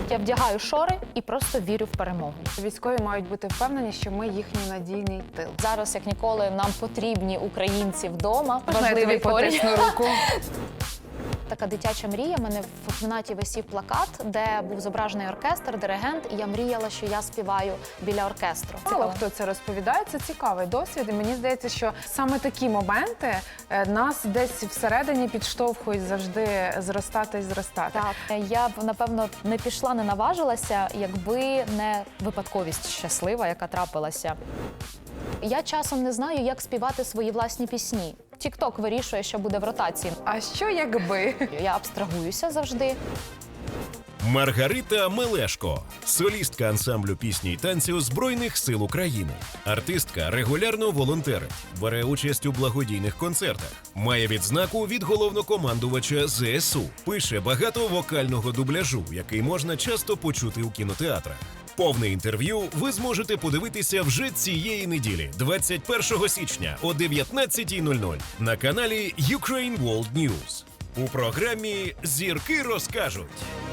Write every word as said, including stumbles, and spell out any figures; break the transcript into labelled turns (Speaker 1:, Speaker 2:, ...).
Speaker 1: Я вдягаю шори і просто вірю в перемогу.
Speaker 2: Військові мають бути впевнені, що ми їхній надійний тил.
Speaker 1: Зараз, як ніколи, нам потрібні українці вдома.
Speaker 2: Можна я тобі потисну руку?
Speaker 1: Така дитяча мрія. У мене в кімнаті висів плакат, де був зображений оркестр, диригент, і я мріяла, що я співаю біля оркестру.
Speaker 2: Мало хто це розповідає, це цікавий досвід. І мені здається, що саме такі моменти е, нас десь всередині підштовхують завжди зростати і зростати.
Speaker 1: Так, я б, напевно, не пішла, не наважилася, якби не випадковість щаслива, яка трапилася. Я часом не знаю, як співати свої власні пісні. Тік-ток вирішує, що буде в ротації.
Speaker 2: А що якби?
Speaker 1: Я абстрагуюся завжди.
Speaker 3: Маргарита Мелешко, солістка ансамблю пісні й танцю Збройних сил України. Артистка регулярно волонтерить, бере участь у благодійних концертах, має відзнаку від головнокомандувача зе ес у, пише багато вокального дубляжу, який можна часто почути у кінотеатрах. Повне інтерв'ю ви зможете подивитися вже цієї неділі, двадцять першого січня о дев'ятнадцятій нуль нуль на каналі Ukraine World News. У програмі «Зірки розкажуть».